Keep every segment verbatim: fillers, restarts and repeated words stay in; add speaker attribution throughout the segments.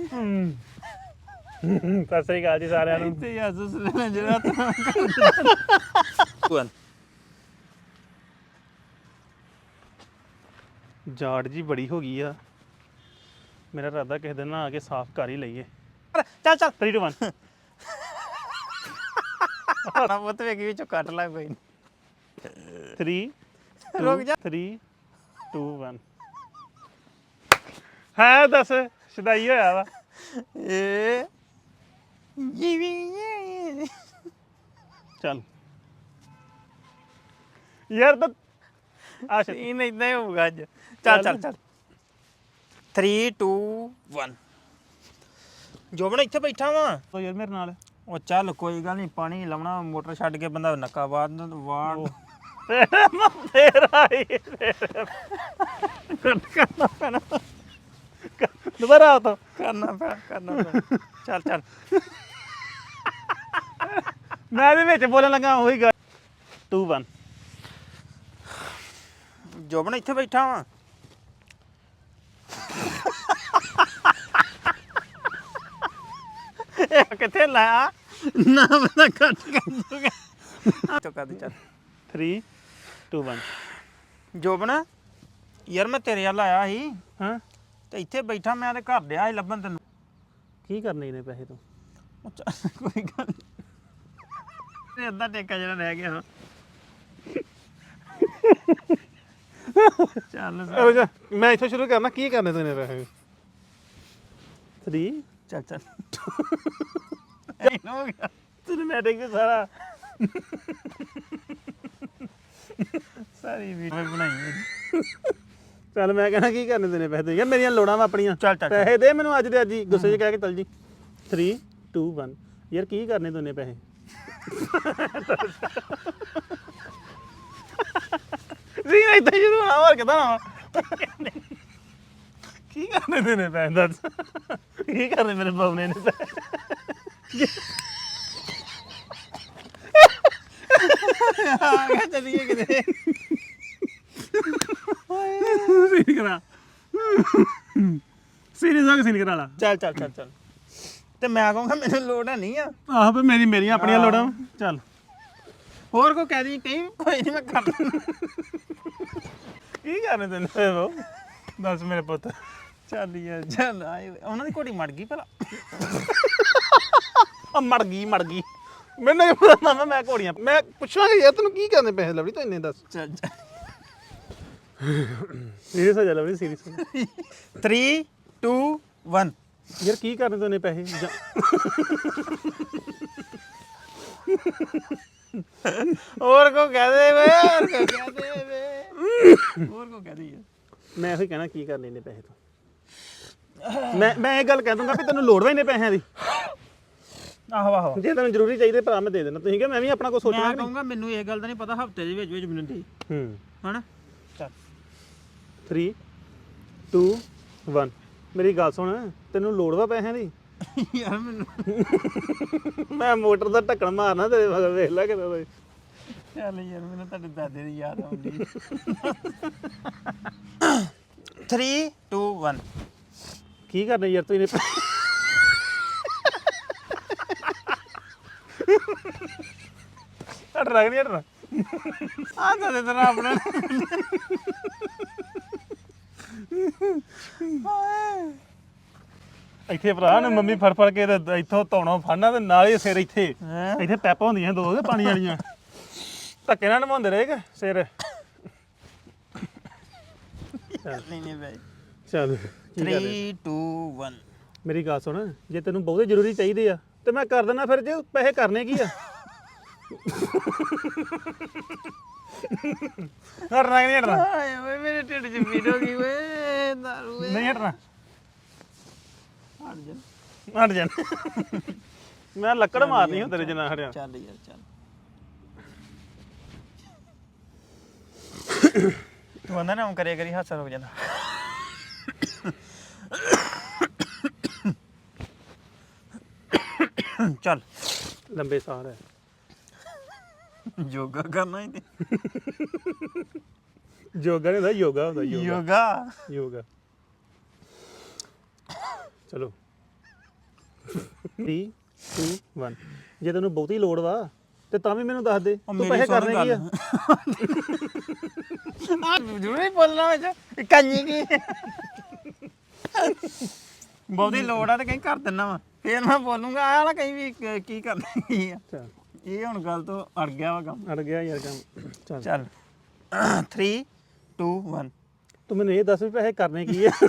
Speaker 1: ਸਤਿ ਸ੍ਰੀ ਅਕਾਲ ਜੀ ਸਾਰਿਆਂ ਨੂੰ
Speaker 2: ਤੇ ਯਾਸੂਸ ਲੈਣਾ ਜਿਹੜਾ
Speaker 1: ਜਾੜ ਜੀ ਬੜੀ ਹੋ ਗਈ ਆ ਮੇਰਾ ਇਰਾਦਾ ਕਿਸੇ ਦਿਨ ਨਾ ਆ ਕੇ ਸਾਫ਼ ਕਰ ਹੀ ਲਈਏ ਚੱਲ ਚੱਲ ਥ੍ਰੀ ਟੂ ਵਨ
Speaker 2: ਆਣਾ ਪੁੱਤ ਵੇਖੀ ਵਿੱਚੋਂ ਕੱਟ ਲਾ ਕੋਈ
Speaker 1: ਥ੍ਰੀ
Speaker 2: ਰੁਕ ਜਾ
Speaker 1: ਥ੍ਰੀ ਟੂ ਵਨ ਹੈ ਦੱਸ ਸ਼ਦਾਈ ਹੋਇਆ ਵਾ
Speaker 2: ਏ ਜੀਵੀ
Speaker 1: ਚੱਲ ਯਾਰ ਤਾਂ ਆ ਸ਼ਦ
Speaker 2: ਇਹ ਨਹੀਂ ਨਹੀਂ ਹੋਊਗਾ ਅੱਜ ਚੱਲ ਚੱਲ ਚੱਲ ਥ੍ਰੀ ਟੂ ਵਨ ਜੋਬਨ ਇੱਥੇ ਬੈਠਾ ਵਾਂ
Speaker 1: ਤੋ ਯਾਰ ਮੇਰੇ ਨਾਲ
Speaker 2: ਉਹ ਚੱਲ ਕੋਈ ਗੱਲ ਨਹੀਂ ਪਾਣੀ ਲਾਉਣਾ ਮੋਟਰ ਛੱਡ ਕੇ ਬੰਦਾ ਨੱਕਾ ਬਾਦ ਵਾੜ
Speaker 1: ਤੇਰਾ ਹੀ ਕਰਨਾ ਪੈਣਾ ਦੁਬਾਰਾ ਆਤਾ
Speaker 2: ਕਰਨਾ ਪਿਆ ਕਰਨਾ ਪਿਆ ਚੱਲ ਚੱਲ
Speaker 1: ਮੈਂ ਇਹਦੇ ਵਿੱਚ ਬੋਲਣ ਲੱਗਾ ਉਹੀ ਗੱਲ ਟੂ ਵਨ
Speaker 2: ਜੋਬਨ ਇੱਥੇ ਬੈਠਾ ਵਾਂ ਇਹ ਕਿੱਥੇ ਲਾਇਆ ਨਾ ਮੈਂ ਕੱਟ ਕਰ ਦੂੰਗਾ ਚੁੱਕਾ ਦੇ ਚੱਲ
Speaker 1: ਥ੍ਰੀ ਟੂ ਵਨ
Speaker 2: ਜੋਬਨ ਯਾਰ ਮੈਂ ਤੇਰੇ ਵੱਲ ਆਇਆ ਸੀ
Speaker 1: ਹਾਂ
Speaker 2: ਤੇ ਇੱਥੇ ਬੈਠਾ ਮੈਂ ਤੇ ਘਰ ਡਿਆ ਸੀ ਲੱਭਣ ਤੈਨੂੰ
Speaker 1: ਕੀ ਕਰਨੇ ਨੇ ਪੈਸੇ ਤੋਂ
Speaker 2: ਚੱਲ ਕੋਈ ਗੱਲ ਨਹੀਂ ਅੱਧਾ ਟੇਕਾ ਜਿਹੜਾ ਰਹਿ ਗਿਆ ਚੱਲ
Speaker 1: ਅਰੇ ਜਾ ਮੈਂ ਇੱਥੋਂ ਸ਼ੁਰੂ ਕਰਨਾ ਕੀ ਕਰਨੇ ਤੈਨੇ ਪੈਸੇ ਥ੍ਰੀ
Speaker 2: ਚੱਲ ਚੱਲ ਇਹ ਹੋ ਗਿਆ
Speaker 1: ਸਿਨੇਮੈਟਿਕ ਸਾਰਾ
Speaker 2: ਸਾਰੀ ਵੀਡੀਓ ਬਣਾਈ ਹੈ
Speaker 1: ਚੱਲ ਮੈਂ ਕਹਿਣਾ ਕੀ ਕਰਨੇ ਤੈਨੇ ਪੈਸੇ ਯਾਰ ਮੇਰੀਆਂ ਲੋੜਾਂ ਵਾ ਆਪਣੀਆਂ
Speaker 2: ਚੱਲ ਚੱਲ
Speaker 1: ਪੈਸੇ ਦੇ ਮੈਨੂੰ ਅੱਜ ਦੇ ਅੱਜ ਹੀ ਗੁੱਸੇ 'ਚ ਕਹਿ ਕੇ ਚੱਲ ਜੀ ਥ੍ਰੀ ਟੂ ਵਨ ਯਾਰ ਕੀ ਕਰਨੇ ਤੈਨੇ ਪੈਸੇ ਜੀ ਨਹੀਂ ਤਾਂ ਸ਼ੁਰੂ ਹੋਣਾ ਹੋਰ ਕਿਦਾਂ ਹੋਣਾ ਕੀ ਕਰਨੇ ਤੈਨੇ ਪੈਸੇ ਦੱਸ ਕੀ ਕਰਨੇ ਮੇਰੇ ਬਾਬਨੇ ਨੇ ਪੈਸੇ
Speaker 2: ਆ ਗਿਆ ਚੱਲੀਏ ਕਿਤੇ
Speaker 1: ਸੀਨ ਕਰਾ ਸੀਰੀਅਸ ਹੋ ਕੇ ਸੀਨ ਕਰਾ ਲਾ
Speaker 2: ਚੱਲ ਚੱਲ ਚੱਲ ਚੱਲ ਤੇ ਮੈਂ ਕਹੂੰਗਾ ਮੈਨੂੰ ਲੋੜ ਹੈ ਨਹੀਂ ਆ
Speaker 1: ਆਹ ਵੀ ਮੇਰੀ ਮੇਰੀਆਂ ਆਪਣੀਆਂ ਲੋੜਾਂ ਵਾਂ। ਚੱਲ
Speaker 2: ਹੋਰ ਕੋ ਕਹਿ ਦੀ ਕਹੀਂ ਕੋਈ ਨਹੀਂ ਮੈਂ ਕਰ
Speaker 1: ਕੀ ਕਰਨੇ ਤੈਨੂੰ ਪੈਸੇ ਬਾਊ ਦੱਸ ਮੇਰੇ ਪੁੱਤ
Speaker 2: ਚੱਲ ਯਾਰ ਚੱਲ ਆਏ ਉਹਨਾਂ ਦੀ ਘੋੜੀ ਮੜ ਗਈ ਭਲਾ
Speaker 1: ਆ ਮੜ ਗਈ ਮੜ ਗਈ ਮੈਨੂੰ ਕੀ ਪਤਾ ਨਾ ਮੈਂ ਘੋੜੀਆਂ ਮੈਂ ਪੁੱਛਾਂਗਾ ਯਾਰ ਤੈਨੂੰ ਕੀ ਕਰਨੇ ਪੈਸੇ ਲਵੜੀ ਤੂੰ ਇੰਨੇ ਦੱਸ
Speaker 2: ਚੱਲ
Speaker 1: ਸੀਰੀਅਸ ਹੋ ਜਾ ਲਵੜੀ ਸੀਰੀਅਸ ਹੋ ਜਾ
Speaker 2: ਥ੍ਰੀ ਟੂ ਵਨ
Speaker 1: ਯਾਰ ਕੀ ਕਰਨੇ ਤੈਨੂੰ ਪੈਸੇ ਜਾਂ-
Speaker 2: ਹੋਰ ਕੋ ਕਹਿ ਦੇ ਵੇ ਹੋਰ ਕੋ ਕਹਿ ਦੇ ਵੇ ਹੋਰ ਕੋ ਕਹਿ ਦੇ ਯਾਰ
Speaker 1: ਮੈਂ ਇਹੋ ਹੀ ਕਹਿਣਾ ਕੀ ਕਰਨੇ ਨੇ ਪੈਸੇ ਤੋਂ ਮੈਂ ਮੈਂ ਇਹ ਗੱਲ ਕਹਿ ਦੂੰਗਾ ਵੀ ਤੈਨੂੰ ਲੋੜ ਵਾ ਇੰਨੇ ਪੈਸਿਆਂ ਦੀ
Speaker 2: ਆਹੋ ਆਹੋ
Speaker 1: ਜੇ ਤੈਨੂੰ ਜ਼ਰੂਰੀ ਚਾਹੀਦੇ ਭਰਾ ਮੈਂ ਦੇ ਦੇਣਾ ਤੁਸੀਂ ਕਿ ਮੈਂ ਵੀ ਆਪਣਾ ਕੁਝ ਸੋਚਣਾ
Speaker 2: ਮੈਂ
Speaker 1: ਕਿ ਨਹੀਂ
Speaker 2: ਕਹੂੰਗਾ ਮੈਨੂੰ ਇਹ ਗੱਲ ਦਾ ਨਹੀਂ ਪਤਾ ਹਫਤੇ ਦੇ ਵਿੱਚ ਵਿੱਚ ਮੈਨੂੰ ਦੇ
Speaker 1: ਹੂੰ
Speaker 2: ਹਨਾ ਚੱਲ
Speaker 1: ਥ੍ਰੀ ਟੂ ਵਨ ਮੇਰੀ ਗੱਲ ਸੁਣ ਤੈਨੂੰ ਲੋੜ ਵਾ ਪੈਸਿਆਂ ਦੀ
Speaker 2: ਯਾਰ ਮੈਨੂੰ
Speaker 1: ਮੈਂ ਮੋਟਰ ਦਾ ਢੱਕਣ ਮਾਰਨਾ ਤੇਰੇ ਮਗਰ ਵੇਖ ਲੈ ਕਿਦਾਂ ਦਾ
Speaker 2: ਚੱਲ ਯਾਰ ਮੈਨੂੰ ਤੁਹਾਡੇ ਦਾਦੇ ਦੀ ਯਾਦ ਆਉਂਦੀ ਥ੍ਰੀ ਟੂ ਵਨ
Speaker 1: ਕੀ ਕਰਨਾ ਯਾਰ ਤੂੰ ਇਹਨੇ ਹਟਣਾ ਕਿ ਨਹੀਂ ਹਟਣਾ
Speaker 2: ਆ ਤਾਂ ਦੇ ਤੇਰਾ ਆਪਣਾ
Speaker 1: ਇੱਥੇ ਭਰਾ ਨੇ ਮੰਮੀ ਫੜ ਫੜ ਕੇ ਤੇ ਇੱਥੋਂ ਧੌਣੋਂ ਫੜਨਾ ਤੇ ਨਾਲ ਹੀ ਸਿਰ ਇੱਥੇ
Speaker 2: ਹੈਂ?
Speaker 1: ਇੱਥੇ ਪੈਪਾਂ ਹੁੰਦੀਆਂ ਦੋ ਕੇ ਪਾਣੀ ਵਾਲੀਆਂ ਧੱਕੇ ਨਾਲ ਨਮਾਉਂਦੇ ਰਹੇ ਕਿ ਸਿਰ
Speaker 2: ਨਹੀਂ ਨਹੀਂ ਬਾਈ
Speaker 1: ਚੱਲ
Speaker 2: ਥ੍ਰੀ ਟੂ ਵਨ
Speaker 1: ਮੇਰੀ ਗੱਲ ਸੁਣ ਜੇ ਤੈਨੂੰ ਬਹੁਤੇ ਜ਼ਰੂਰੀ ਚਾਹੀਦੇ ਆ ਤੇ ਮੈਂ ਕਰ ਦਿੰਦਾ ਫਿਰ ਜੇ ਪੈਸੇ ਕਰਨੇ ਕੀ ਆ ਹਟਣਾ ਕਿ ਨਹੀਂ ਹਟਣਾ
Speaker 2: ਆਏ ਓਏ ਮੇਰੇ ਢਿੱਡ 'ਚ ਪੀੜ ਹੋ ਗਈ ਓਏ ਦਾਰੂ ਓਏ
Speaker 1: ਨਹੀਂ ਹਟਣਾ
Speaker 2: ਹਟ ਜਾ
Speaker 1: ਹਟ ਜਾ ਮੈਂ ਲੱਕੜ ਮਾਰਨੀ ਹੁੰਦੀ ਤੇਰੇ ਜਿੰਨਾ ਹਟਿਆ
Speaker 2: ਚੱਲ ਯਾਰ ਚੱਲ ਤੂੰ ਆਂਦਾ ਨਾ ਕਰਿਆ ਕਰੀ ਹਾਸਾ ਰੁਕ ਜਾਂਦਾ ਚੱਲ
Speaker 1: ਲੰਬੇ ਸਾਹ ਹੈ
Speaker 2: ਯੋਗਾ ਕਰਨਾ ਹੀ ਤੇ
Speaker 1: ਯੋਗਾ ਨਹੀਂ ਹੁੰਦਾ ਯੋਗਾ ਹੁੰਦਾ ਯੋਗਾ
Speaker 2: ਯੋਗਾ
Speaker 1: ਯੋਗਾ ਚਲੋ three two one ਜੇ ਤੈਨੂੰ ਬਹੁਤੀ ਲੋੜ ਵਾ ਤੇ ਤਾਂ ਵੀ ਮੈਨੂੰ ਦੱਸ ਦੇ ਤੂੰ
Speaker 2: ਮੇਰੀ
Speaker 1: ਪੈਸੇ
Speaker 2: ਸੁਣ
Speaker 1: ਕਰਨੇ ਕੀ ਆ
Speaker 2: ਆ ਜ਼ਰੂਰੀ ਬੋਲਣਾ ਵਿੱਚ ਕੰਨੀ ਕੀ ਬਹੁਤੀ ਲੋੜ ਆ ਤੇ ਕਹੀਂ ਕਰ ਦਿੰਨਾ ਵਾ ਫੇਰ ਮੈਂ ਬੋਲੂੰਗਾ ਆਹ ਵਾਲਾ ਕहीं ਵੀ ਕ- ਕੀ ਕਰਨਾ ਕੀ ਆ
Speaker 1: ਚੱਲ
Speaker 2: ਇਹ ਹੁਣ ਗੱਲ ਤੋਂ ਅੜ ਗਿਆ ਵਾ ਕੰਮ
Speaker 1: ਅੜ ਗਿਆ ਯਾਰ ਕੰਮ ਚੱਲ
Speaker 2: ਚੱਲ three two one
Speaker 1: ਤੂੰ ਮੈਨੂੰ ਇਹ ਦੱਸ ਵੀ ਪੈਸੇ ਕਰਨੇ ਕੀ ਆ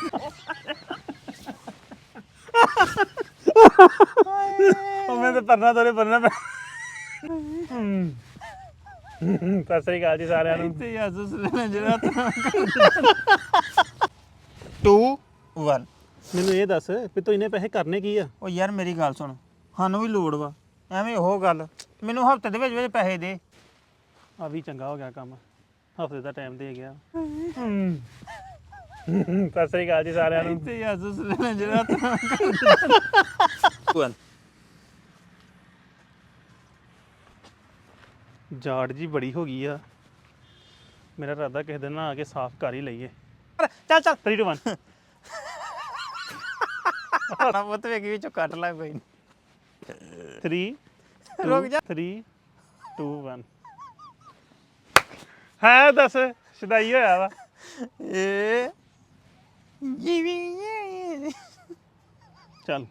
Speaker 1: ਉਹ ਮੈਂ ਤੇ ਪਰਨਾ ਤੋਰੇ ਪਰਨਾ ਪੈ ਸਤਿ ਸ੍ਰੀ ਅਕਾਲ ਜੀ ਸਾਰਿਆਂ ਨੂੰ
Speaker 2: ਤੇ ਯਾਸੂਸ ਲੈਣਾ ਜਿਹੜਾ two one
Speaker 1: ਮੈਨੂੰ ਇਹ ਦੱਸ ਵੀ ਤੂੰ ਇਹਨੇ ਪੈਸੇ ਕਰਨੇ ਕੀ ਆ
Speaker 2: ਉਹ ਯਾਰ ਮੇਰੀ ਗੱਲ ਸੁਣ ਸਾਨੂੰ ਵੀ ਲੋੜ ਵਾ ਐਵੇਂ ਉਹ ਗੱਲ ਮੈਨੂੰ ਹਫਤੇ ਦੇ ਵਿੱਚ ਵਿੱਚ ਪੈਸੇ ਦੇ
Speaker 1: ਆ ਵੀ ਚੰਗਾ ਹੋ ਗਿਆ ਕੰਮ ਹਫਤੇ ਦਾ ਟਾਈਮ ਦੇ ਗਿਆ ਸਤਿ ਸ੍ਰੀ ਅਕਾਲ ਜੀ ਸਾਰਿਆਂ ਨੂੰ
Speaker 2: ਤੇ ਯਾਸੂਸ ਲੈਣਾ ਜਿਹੜਾ one
Speaker 1: ਜਾੜ ਜੀ ਬੜੀ ਹੋ ਗਈ ਆ ਮੇਰਾ ਇਰਾਦਾ ਕਿਸੇ ਦਿਨ ਨਾ ਆ ਕੇ ਸਾਫ਼ ਕਰ ਹੀ ਲਈਏ
Speaker 2: ਚੱਲ ਚੱਲ
Speaker 1: three two one
Speaker 2: ਆਣਾ ਪੁੱਤ ਵੇਖੀ ਵਿੱਚੋਂ ਕੱਟ ਲੈ ਕੋਈ ਨੀ।
Speaker 1: three
Speaker 2: ਰੁਕ ਜਾ
Speaker 1: three two one ਹੈ ਦੱਸ ਸ਼ਦਾਈ ਹੋਇਆ ਵਾ
Speaker 2: ਏ ਜੀਵੀ
Speaker 1: ਚੱਲ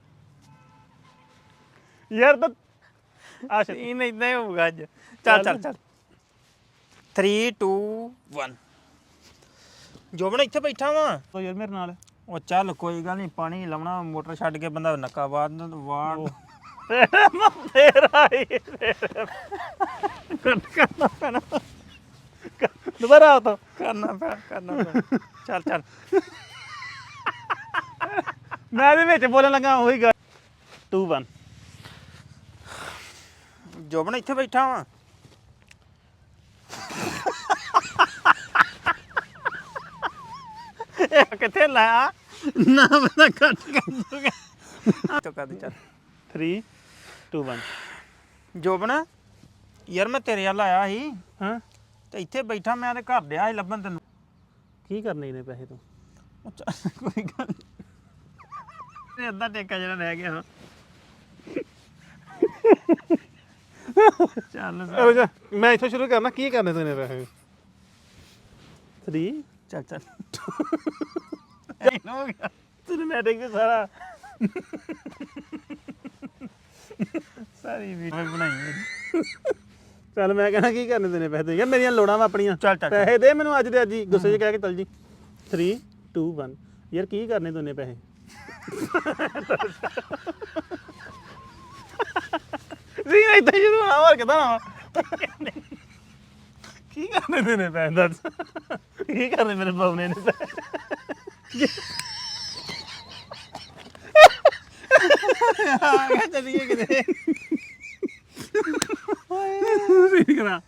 Speaker 1: ਯਾਰ ਤਾਂ ਆਸ਼ਾ
Speaker 2: ਇਹ ਨਹੀਂ ਇਦਾਂ ਹੀ ਹੋਊਗਾ ਅੱਜ ਚੱਲ ਚੱਲ ਚੱਲ three two one ਜੋਬਨ ਇੱਥੇ ਬੈਠਾ ਵਾਂ
Speaker 1: ਤੋ ਯਾਰ ਮੇਰੇ ਨਾਲ
Speaker 2: ਉਹ ਚੱਲ ਕੋਈ ਗੱਲ ਨਹੀਂ ਪਾਣੀ ਲਾਉਣਾ ਮੋਟਰ ਛੱਡ ਕੇ ਬੰਦਾ ਨੱਕਾ ਬਾਦ ਵਾੜ
Speaker 1: ਤੇਰਾ ਹੀ ਕੱਟ ਕਰਨਾ ਪੈਣਾ ਦੁਬਾਰਾ ਆ ਤਾ
Speaker 2: ਕਰਨਾ ਪੈ ਕਰਨਾ ਪੈ ਚੱਲ ਚੱਲ
Speaker 1: ਮੈਂ ਇਹਦੇ ਵਿੱਚ ਬੋਲਣ ਲੱਗਾ ਉਹੀ ਗੱਲ two one
Speaker 2: ਜੋਬਨ ਇੱਥੇ ਬੈਠਾ ਵਾਂ ਇਹ ਕਿੱਥੇ ਲਾਇਆ ਨਾ ਬੰਦਾ ਕੱਟ ਕਰ ਦੂਗਾ ਤੋ ਕਰ ਦੇ ਚੱਲ
Speaker 1: three two one
Speaker 2: ਜੋਬਨ ਯਾਰ ਮੈਂ ਤੇਰੇ ਵੱਲ ਆਇਆ ਸੀ
Speaker 1: ਹਾਂ
Speaker 2: ਤੇ ਇੱਥੇ ਬੈਠਾ ਮੈਂ ਤੇ ਘਰ ਡਿਆ ਸੀ ਲੱਭਣ ਤੈਨੂੰ
Speaker 1: ਕੀ ਕਰਨੇ ਇਹਨੇ ਪੈਸੇ ਤੋਂ
Speaker 2: ਉਹ ਚੱਲ ਕੋਈ ਗੱਲ ਨਹੀਂ ਅੱਧਾ ਟੇਕਾ ਜਿਹੜਾ ਰਹਿ ਗਿਆ ਹਾਂ ਚੱਲ
Speaker 1: ਅਰੇ ਜਾ ਮੈਂ ਇੱਥੋਂ ਸ਼ੁਰੂ ਕਰਨਾ ਕੀ ਕਰਨੇ ਤੂੰ ਇਹਨੇ ਪੈਸੇ three
Speaker 2: ਚੱਲ ਚੱਲ ਹੋ ਗਿਆ
Speaker 1: ਸਿਨੇਮੈਟਿਕ ਵੀ ਸਾਰਾ
Speaker 2: ਸਾਰੀ ਵੀਡੀਓ ਬਣਾਈ ਹੈ
Speaker 1: ਚੱਲ ਮੈਂ ਕਹਿਣਾ ਕੀ ਕਰਨੇ ਤੈਨੇ ਪੈਸੇ ਦੇ ਯਾਰ ਮੇਰੀਆਂ ਲੋੜਾਂ ਵਾ ਆਪਣੀਆਂ
Speaker 2: ਚੱਲ ਚੱਲ
Speaker 1: ਪੈਸੇ ਦੇ ਮੈਨੂੰ ਅੱਜ ਦੇ ਅੱਜ ਹੀ ਗੁੱਸੇ 'ਚ ਕਹਿ ਕੇ ਚੱਲ ਜੀ three two one ਯਾਰ ਕੀ ਕਰਨੇ ਤੂੰ ਇਹਨੇ ਪੈਸੇ ਜੀ ਨਹੀਂ ਤਾਂ ਸ਼ੁਰੂ ਹੋਣਾ ਹੋਰ ਕਿਦਾਂ ਨਾ ਕੀ ਕਰਨੇ ਤੈਨੇ ਪੈਸੇ ਦੱਸ ਕੀ ਕਰਨੇ ਮੇਰੇ ਬਾਬਨੇ ਨੇ ਪੈਸੇ
Speaker 2: ਆ ਗਿਆ ਚੱਲੀਏ ਕਿਤੇ
Speaker 1: ਸੀਨ ਕਰਾ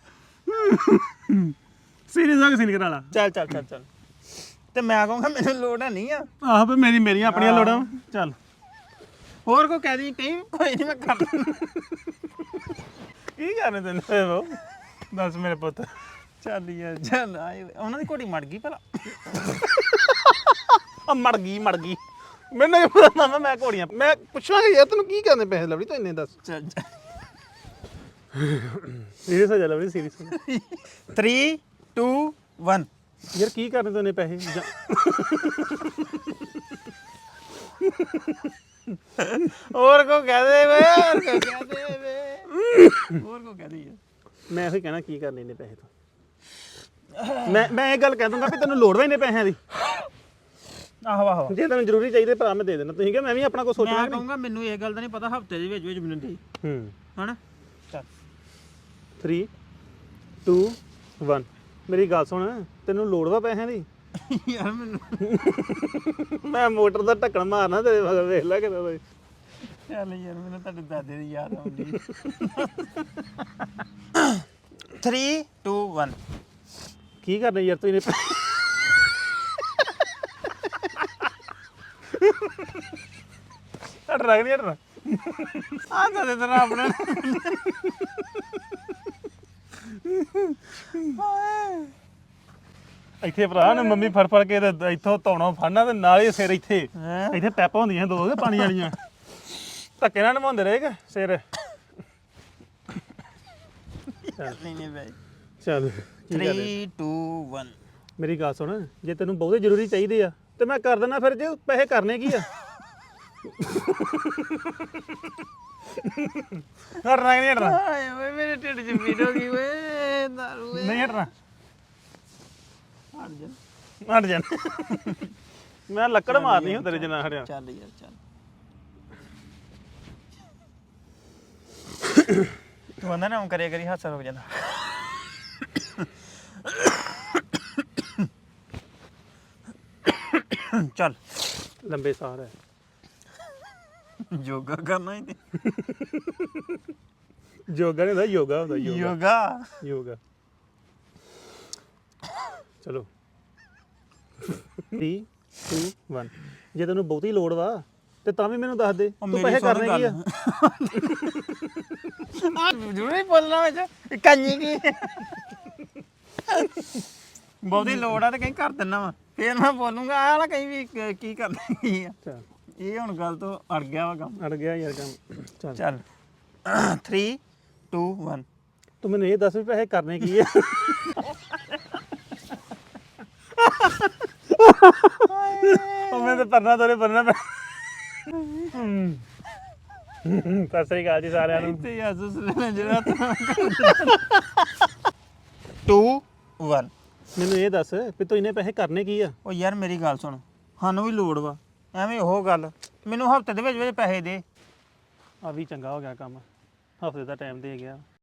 Speaker 1: ਸੀਰੀਅਸ ਆ ਕੇ ਸੀਨ ਕਰਾ ਲਾ
Speaker 2: ਚੱਲ ਚੱਲ ਚੱਲ ਚੱਲ ਤੇ ਮੈਂ ਕਹੂੰਗਾ ਮੈਨੂੰ ਲੋੜ ਹੈ ਨਹੀਂ ਆ
Speaker 1: ਆਹ ਵੀ ਮੇਰੀ ਮੇਰੀਆਂ ਆਪਣੀਆਂ ਲੋੜਾਂ ਵਾਂ। ਚੱਲ
Speaker 2: ਹੋਰ ਕੋ ਕਹਿ ਦੀ ਕਹੀਂ ਕੋਈ ਨਹੀਂ ਮੈਂ ਕਰ
Speaker 1: ਕੀ ਕਰਨੇ ਤੈਨੂੰ ਉਹ ਦੱਸ ਮੇਰੇ ਪੁੱਤ
Speaker 2: ਚੱਲ ਯਾਰ ਚੱਲ ਆਏ ਉਹਨਾਂ ਦੀ ਘੋੜੀ ਮੜ ਗਈ ਭਲਾ
Speaker 1: ਆ ਮੜ ਗਈ ਮੜ ਗਈ ਮੈਨੂੰ ਨਹੀਂ ਪਤਾ ਨਾ ਮੈਂ ਘੋੜੀਆਂ ਮੈਂ ਪੁੱਛਾਂਗਾ ਯਾਰ ਤੈਨੂੰ ਕੀ ਕਰਨੇ ਪੈਸੇ ਲਵੜੀ ਤੂੰ ਇੰਨੇ ਦੱਸ
Speaker 2: ਚੱਲ
Speaker 1: ਸੀਰੀਅਸ ਹੋ ਜਾ ਲਵੜੀ ਸੀਰੀਅਸ ਹੋ ਜਾ
Speaker 2: three two one
Speaker 1: ਯਾਰ ਕੀ ਕਰਨੇ ਤੂੰ ਇੰਨੇ ਪੈਸੇ ਜਾਂ-
Speaker 2: ਹੋਰ ਕੋ ਕਹਿ ਦੇ ਵੇ ਹੋਰ ਕੋ ਕਹਿ ਦੇ ਵੇ ਹੋਰ ਕੋ ਕਹਿ ਦੇ ਯਾਰ
Speaker 1: ਮੈਂ ਇਹੋ ਹੀ ਕਹਿਣਾ ਕੀ ਕਰਨੇ ਇੰਨੇ ਪੈਸੇ ਤੋਂ ਮੈਂ ਮੈਂ ਇਹ ਗੱਲ ਕਹਿ ਦੂੰਗਾ ਵੀ ਤੈਨੂੰ ਲੋੜ ਵਾ ਇੰਨੇ ਪੈਸਿਆਂ ਦੀ
Speaker 2: ਆਹੋ ਆਹੋ
Speaker 1: ਜੇ ਤੈਨੂੰ ਜ਼ਰੂਰੀ ਚਾਹੀਦੇ ਭਰਾ ਮੈਂ ਦੇ ਦੇਣਾ ਤੁਸੀਂ ਕਿ ਮੈਂ ਵੀ ਆਪਣਾ ਕੁਝ ਸੋਚਣਾ
Speaker 2: ਮੈਂ
Speaker 1: ਕਿ ਨਹੀਂ
Speaker 2: ਕਹੂੰਗਾ ਮੈਨੂੰ ਇਹ ਗੱਲ ਦਾ ਨਹੀਂ ਪਤਾ ਹਫਤੇ ਦੇ ਵਿੱਚ ਵਿੱਚ ਮੈਨੂੰ ਦੇ
Speaker 1: ਹੂੰ
Speaker 2: ਹਨਾ ਚੱਲ
Speaker 1: three two one ਮੇਰੀ ਗੱਲ ਸੁਣ ਤੈਨੂੰ ਲੋੜ ਵਾ ਪੈਸਿਆਂ ਦੀ
Speaker 2: ਯਾਰ ਮੈਨੂੰ
Speaker 1: ਮੈਂ ਮੋਟਰ ਦਾ ਢੱਕਣ ਮਾਰਨਾ ਤੇਰੇ ਮਗਰ ਵੇਖ ਲੈ ਕਿਦਾਂ ਦਾ
Speaker 2: ਚੱਲ ਯਾਰ ਮੈਨੂੰ ਤੁਹਾਡੇ ਦਾਦੇ ਦੀ ਯਾਦ ਆਉਂਦੀ three two one
Speaker 1: ਕੀ ਕਰਨੇ ਯਾਰ ਤੂੰ ਇਹਨੇ ਹਟ ਰਗ ਨਹੀਂ ਹਟਣਾ
Speaker 2: ਆ ਤਾਂ ਦੇ ਤੇਰਾ ਆਪਣਾ
Speaker 1: ਇੱਥੇ ਭਰਾ ਨੇ ਮੰਮੀ ਫੜ ਫੜ ਕੇ ਤੇ ਇੱਥੋਂ ਧੌਣੋਂ ਫੜਨਾ ਤੇ ਨਾਲ ਹੀ ਸਿਰ ਇੱਥੇ
Speaker 2: ਹੈਂ?
Speaker 1: ਇੱਥੇ ਪੈਪਾਂ ਹੁੰਦੀਆਂ ਦੋ ਕੇ ਪਾਣੀ ਵਾਲੀਆਂ ਧੱਕੇ ਨਾਲ ਨਵਾਉਂਦੇ ਰਹੇਗਾ ਸਿਰ
Speaker 2: ਨਹੀਂ ਨਹੀਂ ਬਾਈ
Speaker 1: ਚੱਲ ਕੀ ਕਰ ਰਿਹਾ?
Speaker 2: three two one
Speaker 1: ਮੇਰੀ ਗੱਲ ਸੁਣ ਜੇ ਤੈਨੂੰ ਬਹੁਤੇ ਜ਼ਰੂਰੀ ਚਾਹੀਦੇ ਆ ਤੇ ਮੈਂ ਕਰ ਦਿੰਦਾ ਫਿਰ ਜੇ ਪੈਸੇ ਕਰਨੇ ਕੀ ਆ ਹਟਣਾ ਕਿ ਨਹੀਂ ਹਟਣਾ
Speaker 2: ਹਾਏ ਓਏ ਮੇਰੇ ਢਿੱਡ 'ਚ ਪੀੜ ਹੋ ਗਈ ਓਏ ਦਾਰੂ ਓਏ
Speaker 1: ਨਹੀਂ ਹਟਣਾ
Speaker 2: ਹਟ ਜਾ
Speaker 1: ਹਟ ਜਾ ਮੈਂ ਲੱਕੜ ਮਾਰਨੀ ਹੁਣ ਤੇਰੇ ਜਨਾ ਹਟਿਆ
Speaker 2: ਚੱਲ ਯਾਰ ਚੱਲ ਤੂੰ ਆਂਦਾ ਨਾ ਕਰਿਆ ਕਰੀ ਹਾਸਾ ਰੁਕ ਜਾਂਦਾ ਚੱਲ
Speaker 1: ਲੰਬੇ ਸਾਹ ਹੈ
Speaker 2: ਯੋਗਾ ਕਰਨਾ ਹੀ ਤੇ
Speaker 1: ਯੋਗਾ ਨਹੀਂ ਹੁੰਦਾ ਯੋਗਾ ਹੁੰਦਾ ਯੋਗਾ
Speaker 2: ਯੋਗਾ
Speaker 1: ਯੋਗਾ ਚਲੋ three two one ਜੇ ਤੈਨੂੰ ਬਹੁਤੀ ਲੋੜ ਵਾ ਤੇ ਤਾਂ ਵੀ ਮੈਨੂੰ ਦੱਸ ਦੇ ਤੂੰ ਪੈਸੇ ਕਰਨੇ ਕੀ ਆ
Speaker 2: ਆ ਜ਼ਰੂਰੀ ਬੋਲਣਾ ਵਿੱਚ ਕੰਨੀ ਕੀ ਬਹੁਤੀ ਲੋੜ ਆ ਤੇ ਕਹੀਂ ਕਰ ਦਿੰਨਾ ਵਾ ਫੇਰ ਮੈਂ ਬੋਲੂੰਗਾ ਆ ਨਾ ਕਹੀਂ ਵੀ ਕ- ਕੀ ਕਰਨਾ ਕੀ ਆ
Speaker 1: ਚੱਲ
Speaker 2: ਇਹ ਹੁਣ ਗੱਲ ਤੋਂ ਅੜ ਗਿਆ ਵਾ ਕੰਮ
Speaker 1: ਅੜ ਗਿਆ ਯਾਰ ਕੰਮ ਚੱਲ
Speaker 2: ਚੱਲ three two one
Speaker 1: ਤੂੰ ਮੈਨੂੰ ਇਹ ਦੱਸ ਵੀ ਪੈਸੇ ਕਰਨੇ ਕੀ ਆ ਉਹ ਮੈਂ ਤਾਂ ਪਰਨਾ ਤੋਰੇ ਪਰਨਾ ਪੈ ਸਤਿ ਸ੍ਰੀ ਅਕਾਲ ਜੀ ਸਾਰਿਆਂ ਨੂੰ
Speaker 2: ਤੇ ਯਾਸੂਸ ਲੈਣਾ ਜਿਹੜਾ two one
Speaker 1: ਮੈਨੂੰ ਇਹ ਦੱਸ ਵੀ ਤੂੰ ਇਹਨੇ ਪੈਸੇ ਕਰਨੇ ਕੀ ਆ
Speaker 2: ਉਹ ਯਾਰ ਮੇਰੀ ਗੱਲ ਸੁਣ ਸਾਨੂੰ ਵੀ ਲੋੜ ਵਾ ਐਵੇਂ ਉਹ ਗੱਲ ਮੈਨੂੰ ਹਫਤੇ ਦੇ ਵਿੱਚ ਵਿੱਚ ਪੈਸੇ ਦੇ
Speaker 1: ਆ ਵੀ ਚੰਗਾ ਹੋ ਗਿਆ ਕੰਮ ਹਫਤੇ ਦਾ ਟਾਈਮ ਦੇ ਗਿਆ